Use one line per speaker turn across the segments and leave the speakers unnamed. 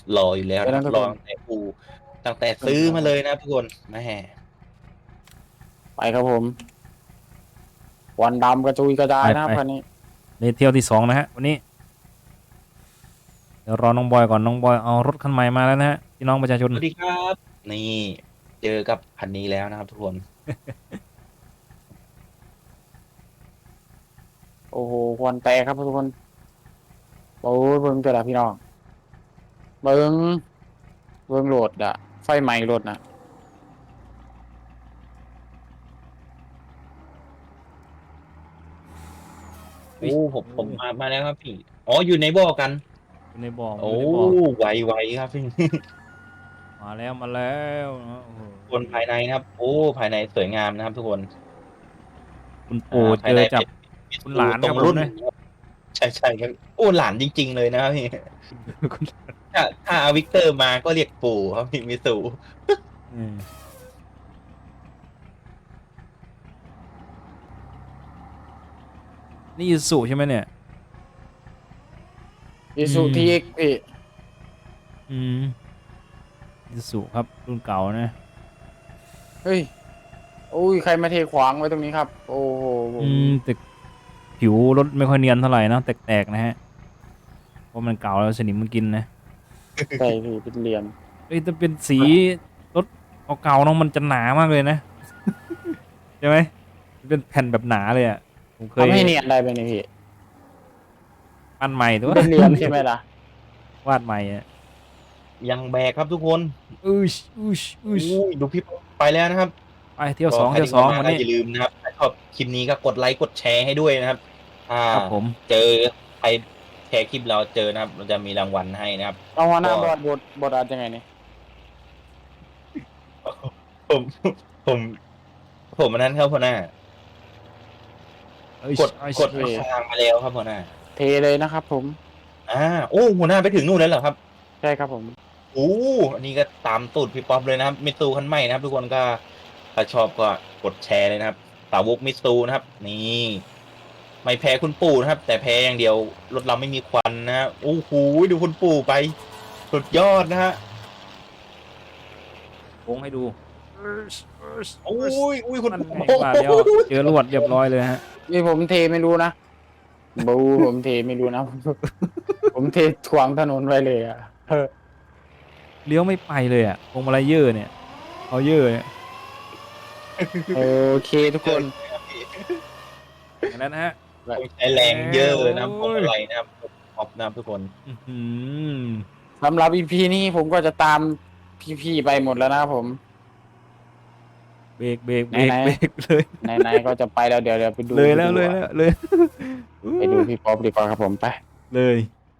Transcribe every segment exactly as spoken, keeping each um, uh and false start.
รออยู่แล้ว
ไป
นะครับรอ
นะทุกคน
ตั้งแต่ปูตั้งแต่
ขึ้น
ซื้อมา
ครับผม
เลยนะทุกคนแม่
ไปครับผมควันดำกระจุยกระจา
ไปไป
ยนะครับคันนี้
ในเที่ยวที่สองนะฮะวันนี้เดี๋ยวรอน้องบอยก่อนน้องบอยเอารถคันใหม่มาแล้วนะฮะพี่น้องประชาชน
สวัสดีครับนี่เจอกับคันนี้แล้วนะครับทุกคน
โอ้โหควันแตกครับทุกคนโอ้ยเบิ่งแต่ละพี่น้องเบิ่งเบิ่งโหลดอะไฟไหม้รถนะ
โอ้ผมผมมามาแล้วครับพี่อ๋ออยู่ในบ่อกัน
อยู่ในบ่ออ
โอ้
ยู่ในบ่อ
ไวไวครับพี่
มาแล้วมาแล้วนะโอ้โห
คนภายในนะครับโอ้ภายในสวยงามนะครับทุกคน
คุณ
อ่า
ปู่
ภายใน
เจอจับ
เป็นมิ
คุณ
ซู
หลาน
ตรงรุ่น
ครับผมนะ
นะครับใช่ใช่ครับโอ้หลานจริงๆเลยนะครับพี่
คุณ
ถ้าถ้าเอาวิกเตอร์มาก็เรียกปู่ครับพี่มิสู
อืมนี่ยูสุใช่ไหมเนี่ย
อิสุทีเอ็กพี่
อืมยูสุครับรุ่นเก่านะ
เฮ้ยโอ้ยใครมาเทขวางไว้ตรงนี้ครับโอ้โห
อืมแต่ผิวรถไม่ค่อยเนียนเท่าไหร่นะแตกๆนะฮะเพราะมันเก่าแล้วสนิมมันกินนะ
ใช่พี่เป็นเหลี่ยม
เอ้ยถ้าเป็นสีรถเก่าๆเนาะมันจะหนามากเลยนะใช่ไหมเป็นแผ่นแบบหนาเลยอ่ะผมเคย
ทำให้เนียนได้ไหมเนี่ยพี่
ปั้นใหม่แต่ว่า
เป็นเหลี่ยมใช่ไหมล่ะ
วาดใหม่อ่ะ
ยังแบกครับทุกคน
อุ้ยอุ้ยอุ้ย
อู้ยดูพี่ไปแล้วนะครับ
ไปเที่ยว
ก็
สองเที่ยว
ใครที่เข้ามา
สองวันนี้
ก็อย่าลืมนะครับถ้าชอบคลิปนี้ก็กดไลค์กดแชร์ให้ด้วยนะครับถ้า
ครับผม
เจอใครแชร์คลิปเราเจอนะครับเราจะมีรางวัลให้นะครับ
เอาหัวหน้า
ก็
บอดบทบทอาจยังไงเนี่ย
ผมผมผมอันนั้นครับพ่อหน้า
เอ้ย
กด
เอ้ย
กดราคามาแล้วครับพ่อหน้า
เทเลยนะครับผม
อ่าโอ้หัวหน้าไปถึงนู่นแล้วเหรอครับ
ใช่ครับผม
โอ้อันนี้ก็ตามตูดพี่ป๊อปเลยนะครับมิตซูคันใหม่นะครับทุกคนก็ถ้าชอบก็กดแชร์เลยนะครับสาวกมิตซูนะครับนี่ไม่แพ้คุณปู่นะครับ แต่แพ้อย่างเดียวรถเราไม่มีควันนะฮะโอ้โหดูคุณปู่ไปสุดยอดนะฮะ
วงให้ดูเอ้ยเอ้ย
โอ้
เอ้ย
ยอุ้ยคุณ
นั่นไง
ปู่
ว่าแล้วเจอลวดเรียบร้อยเลยฮะ
นี่ผมเทไม่รู้นะบูผมเทไม่รู้นะ ผมเทขวางถนนไว้เลยอ่ะเออ
เลี้ยวไม่ไปเลยอ่ะพวงมาลัยเยอะเนี่ยเอาเยอะเนี่ย
โอเคทุกคน
อย่างนั้นนะฮะ
ต้องใช้แรงเยอะนะพวงมา
โอ้ย
ลัยนะครับขอบนะครับทุกคน
อื้อหือ
สำหรับอีพีนี้ผมก็จะตามพี่ๆไปหมดแล้วนะครับผม
เบรกเบรกเบรก
ไหนๆ
เบรกเลย
ไหนๆก็จะไปแล้วเดี๋ยวเดี๋ยวไปดู
เลยแล้ว
ไป
เล
ดู
ยแล้วเลย
ไปดูพี่ป๊อปดีกว่าครับผมไป
เลย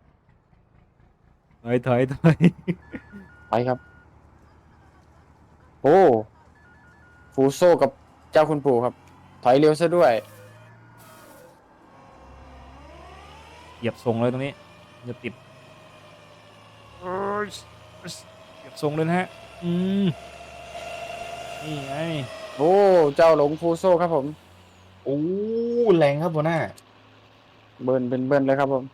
ถอยถอยถอย
ไปครับ โอ้ฟูโซกับเจ้าคุณปู่ครับ ถอยเร็วซะด้วย
เหยียบทรงเลยตรงนี้อย่าติดเหยียบทรงเลยนะฮะอืมนี่ไง
โอ้เจ้าหลงฟูโซครับผม
โอ้แรงครับหัวหน้า
เบิร์นเป็นเบิร์นเลยครับผม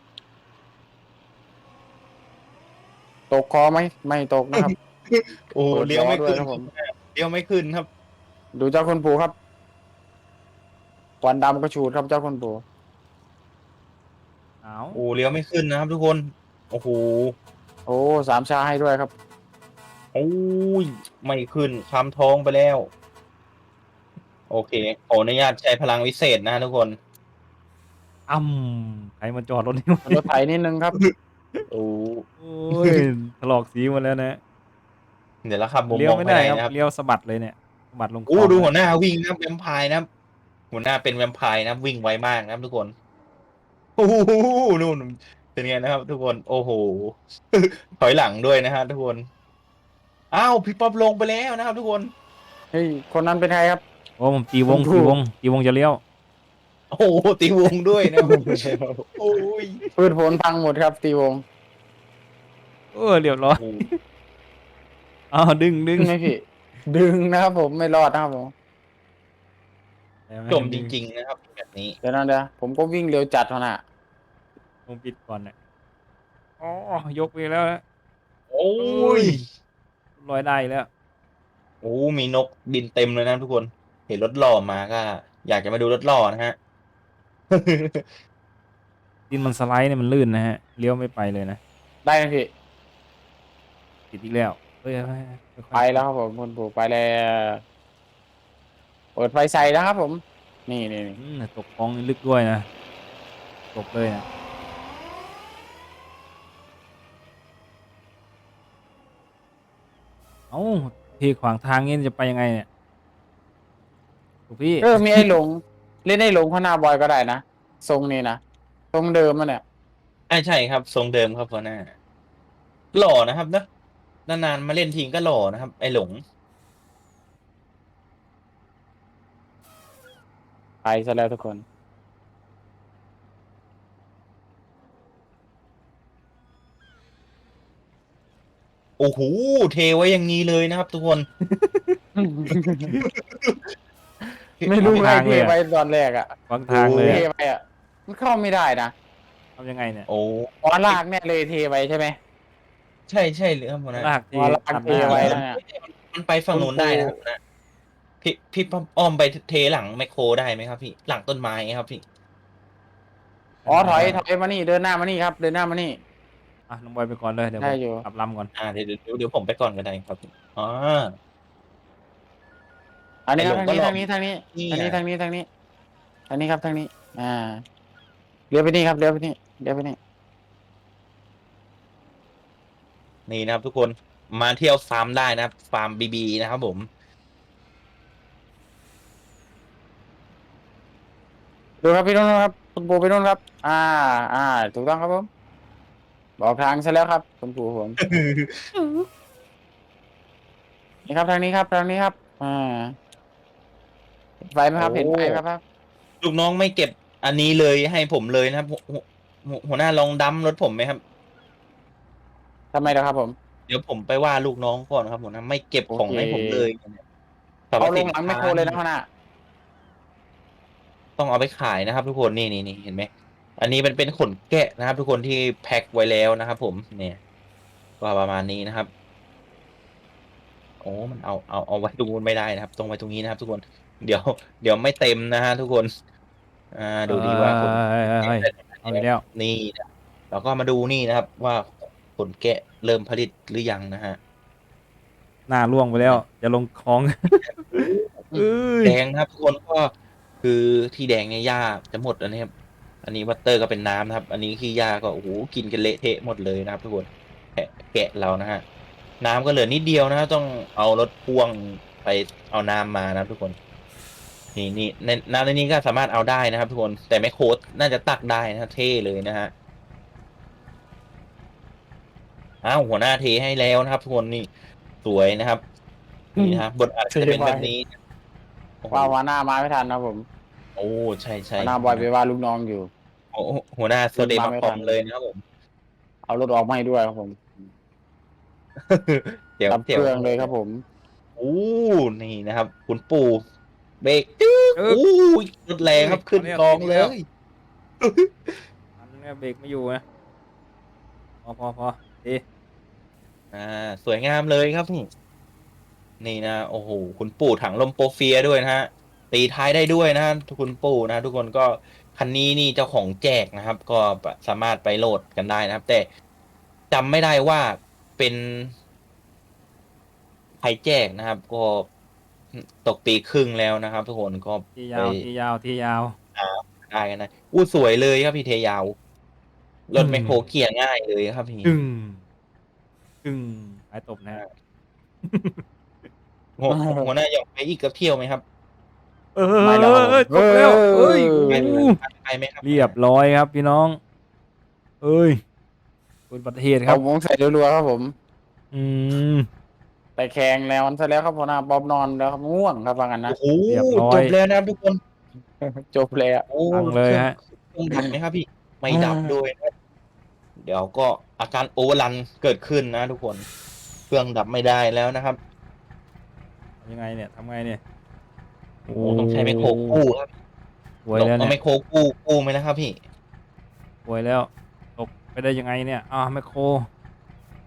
ตกคอไหมไม่ตกนะครับ
โอ้
เปิด
เลี้ยวไม่
ล้อด้ว
ขึ้
ย
น
ครับผม
เลี้ยวไม่ขึ้นครับ
ดูเจ้าคุณปู่ครับควันดำกระฉูดครับเจ้าคุณปู่
เอา
โอ้เลี้ยวไม่ขึ้นนะครับทุกคน โอ้โห
โอ้สามชาให้ด้วยครับ
โอ้ยไม่ขึ้นคำท้องไปแล้ว โอเคขออนุญาตใช้พลังวิเศษนะทุกคน
อ้ำใครมาจอดรถนี่วะ
รถไถนิดนึงครับ โอ้
โอ้ยถลอกสีหมดแล้วนะ
เดี๋ยวแล้วขับมุม
เลี้ย
ม
ว
อง
ไม่
ไป
ได้
ไหน
ครับ
นะครับ
เลี้ยวสะบัดเลยเนี่ยสะบัดลงคล
โอ้
อง
ดู
นะ
หัวหน้าวิ่งนะครับแวมไพร์นะครับหัวหน้าเป็นแวมไพร์นะครับวิ่งไวมากนะครับทุกคนโอ้โหนู่นเป็นไงนะครับ ทุกคนโอ้โห ถอยหลังด้วยนะฮะทุกคนอ้าวพี่ป๊อปลงไปแล้วนะครับ ทุกคน
เฮ้ยคนนั้นเป็นใครครับ
โอ้ผมตีวง
ผมถู
ตี
ก
วงตีวงจะเลี้ยว
โอ้โหตีวงด้วยนะครับโอ้ย
พืชผลพังหมดครับตีวง
เออเรียบร้อย
โอ้
อ้าวดึงดึ
ดึ
ง
งไหมพี่ ดึงนะครับผมไม่รอดนะครับผม
จมจริงๆนะครับแบบนี้
เดี๋ยวนะเดี๋ยวผมก็วิ่งเร็วจัดเท่าน่ะ
ผมปิดก่อนเนี่ยอ๋อยกไปแล้วนะ
โอ้ย
ลอยได้แล้ว
โอ้มีนกบินเต็มเลยนะทุกคน เห็นรถหล่อมาก็ อยากจะมาดูรถหล่อนะฮะ
ดินมันสไลด์เนี่ยมันลื่นนะฮะเลี้ยวไม่ไปเลยนะ
ได้ไหมพี่
ติดอีกแล้วเฮ้ยค่
ไป
อยๆ
แล้วครับผมคุณปู่ไปแล้วเปิดไฟใส่นะครับผม นี่นี่นี่
อืมตกคลองนี่ลึกด้วยนะตกเลยนะเอ้าเทขวางทางงี้จะไปยังไงเนี่ยถูกพี่
เออมีไอ้หลงเล่นไอ้หลงข้างหน้าบอยก็ได้นะทรงนี้นะทรงเดิมมันเนี่ย
ใช่ใช่ครับทรงเดิมครับหัวหน้าหล่อนะครับเนอะนานๆมาเล่นทีก็หล่อนะครับไอ้หลง
ไปซะแล้วทุกคน
โอ้โหเทไว้อย่างนี้เลยนะครับทุกคน
ไม่รู้
ขวาง
ไง
ทาง
เท
เลยอะ
ไปตอนแรกอ่ะ
ขวางทางเลย
เท
อะ
ไปอ่ะมันเข้าไม่ได้นะ
ทำยังไงเนี่ย
โอ้
อ๋อลากเนี่ยเลยเทไปใช่ไหม
ใช่ใช่เลยครับหัวหน้า
ลากที
อ๋อลาก
ตัดห
เท
น้า
ไว้
เลย
นะ
มันไปฝั่งนู้นได้นะครับหัวหน้าพี่พี่ป้อมอ้อมไปเทหลังไมคโครได้ไหมครับพี่หลังต้นไม้ครับพี่
อ๋อถอยถอยมานี่เดินหน้ามานี่ครับเดินหน้ามานี่
อ่ะน้องบอยไปก่อนเลยเดี๋ยวผ
ได้
ม
อยู่
กลับลำก่อน
อ่าเดี๋ยวเดี๋ยวเดี๋ยวผมไปก่อนก็ได้ครับอ๋อ
อันนี้ครับ
ไอ้
ทาง
หลงก็
นี้
หล่อ
ทางนี้ทางนี้
นี่
ทาง
ไง
นี้ทางนี้ทางนี้ทางนี้ครับทางนี้ อ่าเลี้ยวไปนี่ครับเลี้ยวไปนี่เลี้ยวไปนี่
นี่นะครับทุกคนมาเที่ยวฟาร์มได้นะครับฟาร์มบีบีนะครับผม
ดูครับพี่นุ่นครับคุณปู่ไปนุ่นครับ อ่า อ่า ถูกต้องครับผมบอกทางซะแล้วครับคุณปู่ผมนี่ครับทางนี้ครับทางนี้ครับ อ่าเห็นไฟไหมครับ
โอ้
เห็นไฟไหมครับ
ลูกน้องไม่เก็บอันนี้เลยให้ผมเลยนะครับหัวหัวหัวหัวหน้าลองดัมรถผมไหมครับ
ทำไมล่ะครับผม
เดี๋ยวผมไปว่าลูกน้องก่อนครับผมนะไม่เก็บของ
โอเค
ให้ผมเลยสรรพ
เอาล
สิ
ง
น
หลัง
ค้า
ไม่โครเลยนะพ่อหน้า
ต้องเอาไปขายนะครับ ทุกคนนี่นี่นี่เห็นไหมอันนี้มันเป็นขนแกะนะครับ ทุกคนที่แพ็คไว้แล้วนะครับ ผมเนี่ยก็ประมาณนี้นะครับโอ้มันเอาเอาเอาไว้ตรงนู้นไม่ได้นะครับตรงไว้ตรงนี้นะครับ ทุกคน เดี๋ยว เดี๋ยวไม่เต็มนะฮะทุกคน อ่าดูดีว่าขน
เฮ้ยเฮ้ยเฮ้ยเอาอีกแล้ว
นี่นะเราก็มาดูนี่นะครับ ว่าขนแกะเริ่มผลิตหรือยังนะฮะ
หน้าล่วงไปแล้วจะลงคลองเอ้ย
แดงนะครับทุกคนก็คือที่แดงเนี่ยหญ้าจะหมดแล้วนะครับ อันนี้วัตเตอร์ก็เป็นน้ำนะครับ อันนี้ขี้หญ้าก็โอ้โหกินกันเละเทะหมดเลยนะครับ ทุกคนแกะแกะเรานะฮะน้ำก็เหลือนิดเดียวนะครับต้องเอารถพ่วงไปเอาน้ำมานะครับ ทุกคน นี่นี่ในน้ำในนี้ก็สามารถเอาได้นะครับ ทุกคนแต่ไม่โค้ดน่าจะตักได้นะเท่เลยนะฮะอ้าวหัวหน้าเทให้แล้วนะครับ ทุกคนนี่สวยนะครับนี่นะครับบทอาจจะเป็นแบบนี้โอ้โห
ว่าวันหน้ามาไม่ทันนะผม
โอ้ใช่ใช่
วันหน้าบอยไปว่าลูกน้องอยู่
โอ้หัวหน้าโซเด
มา
มา
ไม่
คอ
ทั
ม
น
เลยนะครับผม
เอารถออกมาให้ด้วยครับผม
เดี๋ยว
ดับเครื่องเลยครับผม
โอ้นี่นะครับ คุณปู่เบรกตึ๊บ
เออ
โอ้ยรถแรงครับขึ้นกองเลย
อันนี้เบรกไม่อยู่นะพอพอพอดี
อ่าสวยงามเลยครับนี่นี่นะโอ้โหคุณปู่ถังลมโปรเฟียด้วยนะฮะตีท้ายได้ด้วยนะฮะคุณปู่นะ ทุกคนก็คันนี้นี่เจ้าของแจกนะครับ ก็สามารถไปโหลดกันได้นะครับ แต่จำไม่ได้ว่าเป็นใครแจกนะครับ ก็ตกปีครึ่งแล้วนะครับ ทุกคนก็
ที่
ไป
ยาวที่ยาวที่ยาว
ได้กันนะอู้สวยเลยครับพี่เทยาวรถ
อืม
แมคโครเกียร์ง่ายเลยครับพี่
กึ่งกึ่งไอ้ตบนะฮะ
หัวหัวหน้าอยากไปอีกกับเที่ยวไหมครับ
เออ
ไม่หรอก
เอ้ยตบแล้วเอ้ย
ไป
โอ้
ไปไปไหมครับ
เรียบร้อยครับพี่น้อง เอ้ยเป็นบัติเหตุค
เอา
รับ
วงใส่รัวๆครับผม
อืม
แต่แข่งแล้วมันซะแล้วครับพ่อหน้าบอบนอนแล้วครับง่วงครับว่างั้นนะ
โอ้โห
เรียบร้อย
จบแล้วนะครับทุกคน
จบเลยอ่ะ
โอ้
ฟังเลยฮะ
เครื่องดับไหมครับพี่ ไม่ดับด้วยนะเดี๋ยวก็อาการโอเวอร์รันเกิดขึ้นนะทุกคน เครื่องดับไม่ได้แล้วนะครับ
ยังไงเนี่ยทำไงเนี่ย
โอ้ต้องใช้ไมคโครกู้ครับ
ป่วยแล้ว
เอาไม
เนี่ย
โครกู้กู้ไหมนะครับพี่
ป่วยแล้วตกไปได้ยังไงเนี่ยอ้าวไมโคร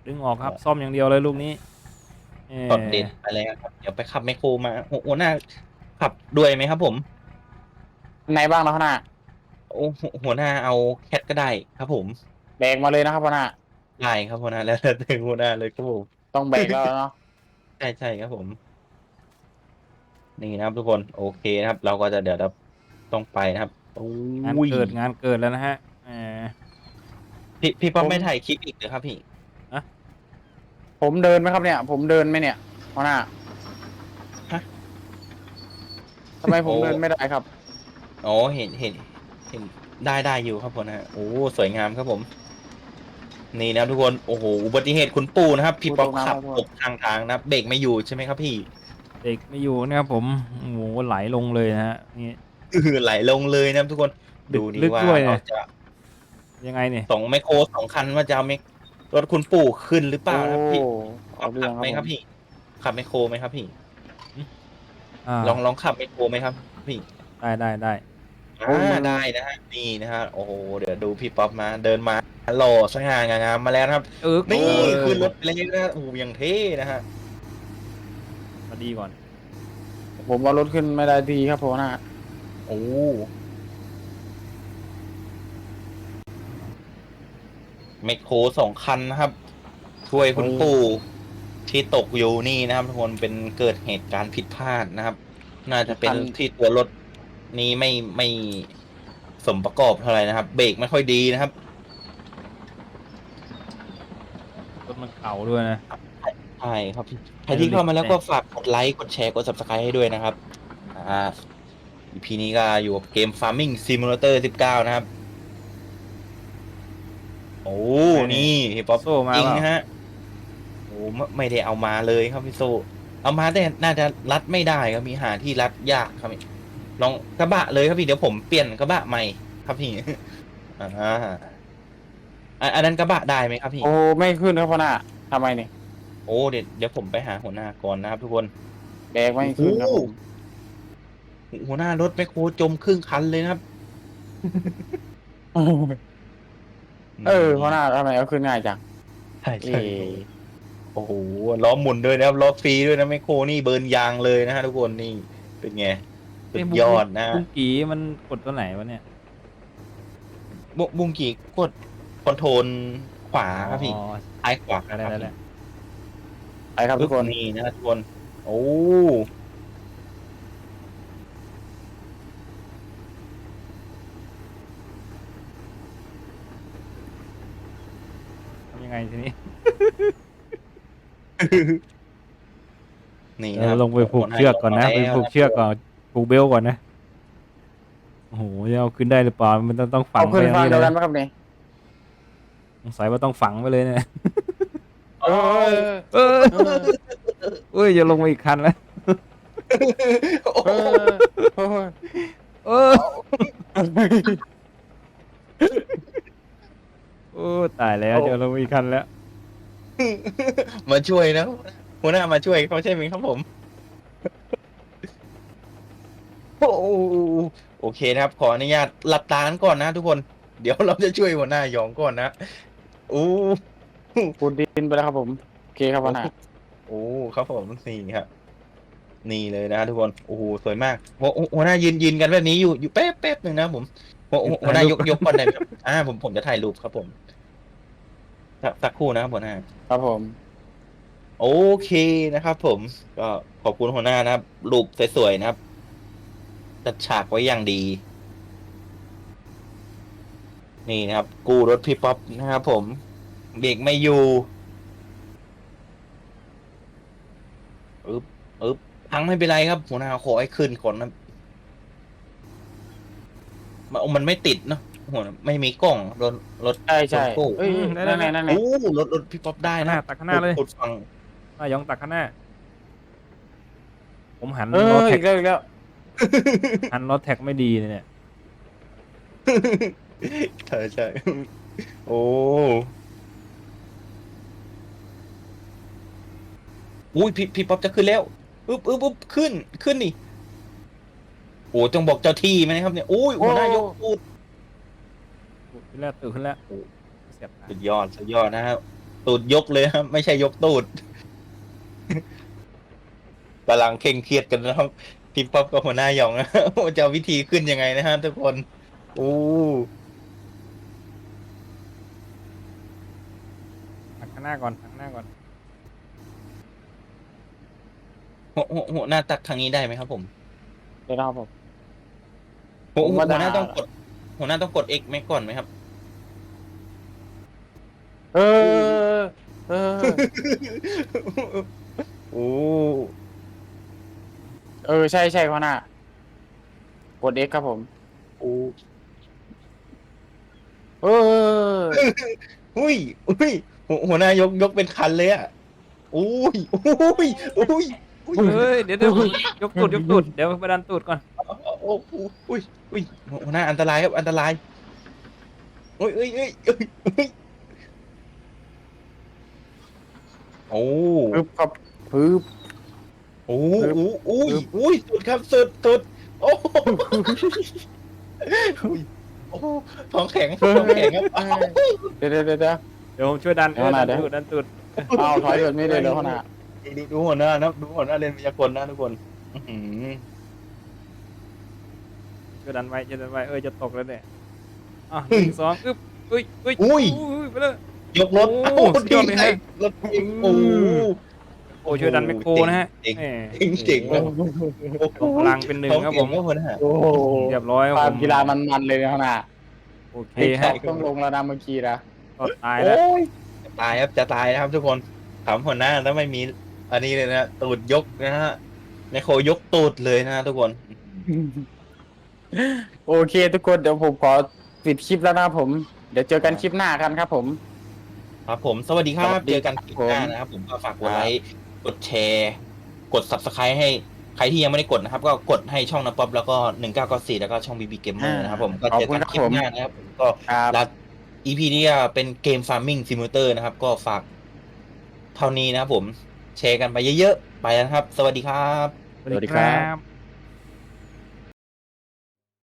ดึงออกครับซ่อมอย่างเดียวเลยลูกนี้เออ
ช็อตเด็ดไปเลยครับเดี๋ยวไปขับไมคโครมาหัวหัวหน้าขับด้วยไหมครับผม
ไหนบ้างนะพ่อหน้า
โอ้หัวหัวหน้าเอาแคทก็ได้ครับผม
แบกมาเลยนะครับพ่อหน้า
ได้ครับหัวหน้าแล้วแต่หัวหน้าเลยครับผม
ต้องแบกแล้วเนาะ
ใช่ใช่ครับผม นี่นะครับทุกคนโอเคนะครับ เราก็จะเดี๋ยวเราต้องไปนะครับโอ้
งาน
ย
เกิดงานเกิดแล้วนะฮะเออ
พี่พี่ป๊อปไม่ถ่ายคลิปอีกเหรอครับพี่
ผมเดินไหมครับเนี่ย ผมเดินไหมเนี่ยพ่อหน้า
ฮะ
ทำไมผม
โอ้
เดินไม่ได้ครับ
อ๋อเห็นเห็นเห็นได้ได้อยู่ครับผมนะโอ้สวยงามครับผม นี่นะครับทุกคนโอ้โหอุบัติเหตุคุณปู่นะครับ พี่ป๊อปขับตกทางทางนะครับเบรกไม่อยู่ใช่ไหมครับพี่
เด็กไม่อยู่นะครับผมโอ้โหไหลลงเลยนะฮะนี่
อือไหลลงเลยนะครับทุกคน
ลึ
ดู
ก
นี่
ลึก
ว่า
ด้วยนะ
เราจะ
ยังไงเนี่ย
สองไมโครสองคันว่าจะเอาไมรถคุณปู่ขึ้นหรือเปล่านะครับพี่
โอ้
ขั
เอา
บ
เรื่อง
ไหม
ค
ค
รั
รั
บบ ผม
พี่ ขับไมโครไหมครับพี่
อ่า
ลองลองขับไมโครไหมครับ พี่
ได้ได้ได้
อ่าได้นะฮะนี่นะฮะโอ้โหเดี๋ยวดูพี่ป๊อปมาเดินมาหล่อสง่างามมาแล้วนะครับ
เออ
นี่
เออ
ขึ้นรถไปเลยนะฮะโอ้โหยังเท่นะฮะ
มาดีก่อน
ผมว่ารถขึ้นไม่ได้ดีครับพ่อหน้า
โอ้ไมโครสองคันนะครับ ช่วยคุณปู่ที่ตกอยู่นี่นะครับทุกคนเป็นเกิดเหตุการณ์ผิดพลาดนะครับ น่าจะเป็นที่ตัวรถนี้ไม่ไม่สมประกอบเท่าไหร่นะครับ เบรกไม่ค่อยดีนะครับ
รถมันเก่าด้วยนะ
ใช่ครับพี่ใครที่เข้ามาแล้วก็ฝากกดไลค์กดแชร์กด subscribe ให้ด้วยนะครับอ่า อี พี นี้ก็อยู่กับเกม Farming Simulator สิบเก้านะครับ โอ้นี่พี่ป๊อป
โซ่มา
จริง
เปล่า
นะฮะโอ้ไม่ไม่ได้เอามาเลยครับพี่โซเอามาแต่น่าจะรัดไม่ได้ครับมีหาที่รัดยากครับพี่ลองกระบะเลยครับพี่เดี๋ยวผมเปลี่ยนกระบะใหม่ครับพี่ อ่าอ่ะอันนั้นกระบะได้ไหมครับพี่
โอ้ไม่ขึ้นครับพ่อหน้าทำไมเนี่ย
โอ้เดี๋ยวเดี๋ยวผมไปหาหัวหน้าก่อนนะครับทุกคน
แบกไม่ขึ้นครับผม
หัวหน้ารถแมคโครจมครึ่งคันเลยนะครับ
เออพ่อหน้าทำไมเอาขึ้นง่ายจัง
ใช่
เอ
ใช่โอ้โหล้อหมุนด้วยนะครับล้อฟรีด้วยนะแมคโครนี่เบิร์นยางเลยนะฮะทุกคนนี่เป็นไงสุดยอดนะ
บุ้งกีมันกดตัวไหนวะเนี่ย
บุบุงกีกดคอนโทรลขวาครับพี่
อ๋อ
ซ้ายขวา
ได้ได้ได้
ไปครับทุกคน
นี่นะทุกคนโอ้
ทำยังไงทีนี้
นี่
เอ
นะค
อ
รับ
ลงไปผูกเชือกก่อนนะไปผูกเชือกก่อนผูกเบลก่อนนะโอ้โหจะเอาขึ้นได้หรือเปล่ามันต้องต้องฝั
เอา
ง
ขึ้
ไป
น
อย่าง
ฟัง
นี้
เดี
เลย
วยกัน
นะ
ไหมครับเนี่ย
สงสัยว่าต้องฝังไปเลยเนี่ย
เออ
เออเอ้ยจะลงมาอีกคันแล้ว
โอ้
เออเออ
เออโอ้ตายแล้วจะลงมาอีกคันแล้ว
มาช่วยนะหัวหน้ามาช่วยเขาใช่ไหมครับผม โอ้โอเคนะครับ ขออนุญาตหลับตากันก่อนนะทุกคน เดี๋ยวเราจะช่วยหัวหน้าหยองก่อนนะโอ้
ปูนดินไปแล้วครับผมโอเคครับพ่อหน้า
โอ้ครับผมนี่ครับนี่เลยนะทุกคนโอ้โหสวยมากหัวหัวหน้ายืนยืนกันแบบนี้อยู่อยู่แป๊บแป๊บหนึ่งนะผมหัวหัวหัวหน้ายกยกก่อนได้ไหมครับอ่าผมผมจะถ่ายรูปครับผมสักสักครู่นะครับหัวหน้า
ครับผม
โอเคนะครับผมก็ขอบคุณหัวหน้านะครับรูปสวยๆนะครับจัดฉากไว้อย่างดี นี่นะครับ กู้รถพี่ป๊อปนะครับผมเบรกไม่อยู่อึ๊บอึ๊บพังไม่เป็นไรครับ หัวหน้าขอให้ขึ้นก่อนนะมันมันไม่ติดเนาะหัวไม่มีกล้องรถรถ
ใช่ใช่
รถกู้
เอ้ยนั่นไงนั่นไง
โอ้รถรถพี่ป๊อปได้
ข้างห
นะ
น้าตักข้างหน้าเลย
กดฟัง
นายองตักข้างหน้า ผมหัน
เอ
รถ
อ
แท็
อี
ก
กแล้วอีกแล้ว
หันรถแท็กไม่ดีเลยเนี่ย
ใช่ใช่โอ้อุ้ยพี่พี่ป๊อปจะขึ้นแล้วอึ๊บอึ๊บอึ๊บขึ้นขึ้นนี่โอ้จงบอกเจ้าที่ไหมนะครับเนี่ยอุ้ยหัวหน้ายกพูด
ขึ้นแล้วตื่นขึ้นแล้วเสียบตา
สุดยอดสุดยอดนะครับตูดยกเลยครับ ไม่ใช่ยกตูด กำลังเคร่งเครียดกันนะครับพี่ป๊อปกับหัวหน้าหยองนะ ว่าจะเอาวิธีขึ้นยังไงนะฮะทุกคนอู้
หักข้างหน้าก่อนหักข้างหน้าก่อน
หัวหัวหัวหน้าตักทางนี้ได้ไหมครับผม
เดี๋ยวนะครับผม
หัว
ผม
หัว
ว่า
หัวหน้า
ได้
ต้องกด หัวหน้าต้องกด X ไหมก่อนไหมครับ
เออ เออ
โอ้
เออ ใช่ใช่ข้างหน้ากด X ครับผม
โอ้
เออ
อุ้ยอุ้ยหัวหัวหน้ายกยกเป็นคันเลยอ่ะอุ้ยอุ้ยอุ้ยอุ้ย
เฮ้ยเดี๋ยวเดี๋ยวยกตูดยกตูดเดี๋ยวไปดันตูดก่อน
โอ้โหอุ้ยอุ้ยหัวหน้าอันตรายครับอันตรายอุ้ยอุ้ยอุ้ยอุ้ยอุ้ยโอ้
ปึ๊บครับปึ๊บ
โอ้โหอุ้ยอุ้ยสุดครับสุดสุดโอ้โหอุ้ยโอ้โหท้องแข็งท้องแข็งครับอ้าว
เดี๋ยวเดี๋ยวเดี๋ยวเดี๋ยว
เดี๋ยวผมช่วยดันเออ
เอาหน่
ดั
อย
น
เดี๋ยว
ตูดดันตูด
อ้าวถอยแบบนี้เลยเหรอข้างหน้า
ดูดูดูหัวหน้านะดูหัวหน้าเรียนวิทยากรนะทุกคนอื้อหือ
ช่วยดันไว้ช่วยดันไว้เออจะตกแล้วเนี่ยอ่ะหนึ่งสองอึ๊บอุ้ยอุ้ย
อุ้ย
อุ้ยไปเลย
ยกรถ
โอ้
โอ้
สุดยอดเลยฮะ
รถเองโอ้โห
โอ้ช่วยดันแมคโครนะฮะ
เจ๋ง
แหม
เจ๋งเจ๋งเลย
พลังเป็นหนึ่ง
ท้อง
ครับ
เก่
ผ
ง
ม
ก็หัวหน้า
โอ้โห
เรียบร้อย
ค
ครั
วา
บ
ม
ผม
กีฬามันๆเลยนะข้างหน้า
โอเค
ไอ้
ฮะ
ต้องลงแล้วนะเมื่อกี้นะ
ก็ตายแล้ว
โอ้ยจะตายครับจะตายนะครับทุกคนถามหัวหน้าแล้วไม่มีอันนี้เลยนะตูดยกนะฮะในโคยกตูดเลยนะทุกคน
โอเคทุกคนเดี๋ยวผมขอปิดคลิปแล้วนะครับผม เดี๋ยวเจอกันคลิปหน้ากันครับผม
ครับผมสวัสดีครั
สวั
บ
สดี
เจอกันคลิปหน้า
ผม
นะครับผมก็ฝากกดไลค์กดแชร์กด subscribe ให้ใครที่ยังไม่ได้กดนะครับ ก็กดให้ช่องน้ำป๊อปแล้วก็หนึ่งเก้าเก้าสี่แล้วก็ช่อง บี บี Gamer นะครับผมก็เจอกันคลิปหน้านะครับผมก็
ครับ
รัก อี พี นี้เป็นเกม Farming Simulator นะครับ ก็ฝากเท่านี้นะครับผมแชร์กันไปเยอะๆ ไปนะครับ สวัสดีครับ
สวัสดีครับ